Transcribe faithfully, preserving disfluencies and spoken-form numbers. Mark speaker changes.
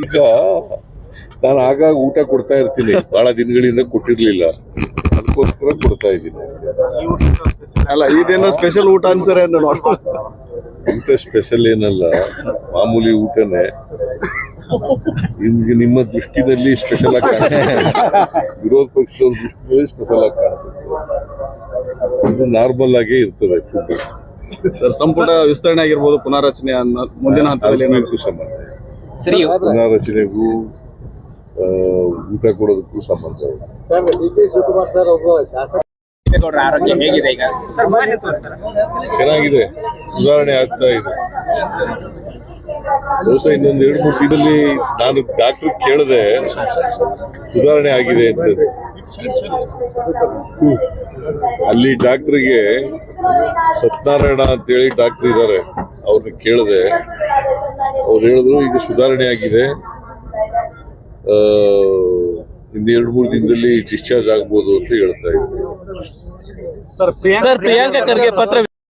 Speaker 1: ಈಗ ನಾನು ಆಗಾಗ ಊಟ ಕೊಡ್ತಾ ಇರ್ತೀನಿ, ಬಹಳ ದಿನಗಳಿಂದ ಕೊಟ್ಟಿರ್ಲಿಲ್ಲ, ಅದಕ್ಕೋಸ್ಕರ ಕೊಡ್ತಾ ಇದ್ದೀನಿ.
Speaker 2: ಅಲ್ಲ ಇದೇನೋ ಸ್ಪೆಷಲ್ ಊಟ ಅನ್ಸರೆ
Speaker 1: ಊಟ ಸ್ಪೆಷಲ್ ಏನಲ್ಲ, ಮಾಮೂಲಿ ಊಟನೇ. ನಿಮ್ಗೆ ನಿಮ್ಮ ದೃಷ್ಟಿನಲ್ಲಿ ಸ್ಪೆಷಲ್ ಆಗಿ ಕಾಣಿಸುತ್ತೆ, ವಿರೋಧ ಪಕ್ಷದವ್ರ ದೃಷ್ಟಿನಲ್ಲಿ ಸ್ಪೆಷಲ್ ಆಗಿ ಕಾಣಿಸುತ್ತೆ. ಇದು ನಾರ್ಮಲ್ ಆಗೇ ಇರ್ತದೆ ಫುಡ್.
Speaker 2: ಸರ್, ಸಂಪುಟ ವಿಸ್ತರಣೆ ಆಗಿರ್ಬೋದು, ಪುನಾರಚನೆ ಅನ್ನೋ ಮುಂದಿನ ಹಂತದಲ್ಲಿ
Speaker 1: ಅದಕ್ಕೂ ಸಂಬಂಧ, ಪುನಾರಚನೆಗೂ ಊಟ ಕೊಡೋದಕ್ಕೂ ಸಂಬಂಧ ಇದೆ.
Speaker 3: ಸರ್, ಡಿ ಕೆ ಶಿವಕುಮಾರ್ ಸರ್ ಒಬ್ಬ ಶಾಸಕ ಆರೋಗ್ಯ ಹೇಗಿದೆ ಈಗ?
Speaker 1: ಚೆನ್ನಾಗಿದೆ, ಸುಧಾರಣೆ ಆಗ್ತಾ ಇದೆ. ಹೊಸ ಇನ್ನೊಂದು ಎರಡು ಮೂರು ದಿನದಲ್ಲಿ ನಾನು ಡಾಕ್ಟರ್ ಕೇಳಿದೆ, ಸುಧಾರಣೆ ಆಗಿದೆ ಅಂತ. ಅಲ್ಲಿ ಡಾಕ್ಟರ್ಗೆ ಸತ್ಯನಾರಾಯಣ ಅಂತೇಳಿ ಡಾಕ್ಟರ್ ಇದ್ದಾರೆ, ಅವ್ರನ್ನ ಕೇಳಿದೆ. ಅವ್ರು ಹೇಳಿದ್ರು ಈಗ ಸುಧಾರಣೆ ಆಗಿದೆ, ಇನ್ನು ಎರಡು ಮೂರು ದಿನದಲ್ಲಿ ಡಿಸ್ಚಾರ್ಜ್ ಆಗ್ಬೋದು ಅಂತ ಹೇಳ್ತಾ ಇದ್ರು.
Speaker 4: ಸರ್, ಪ್ರಿಯಾಂಕಾ ಖರ್ಗೆ ಪತ್ರ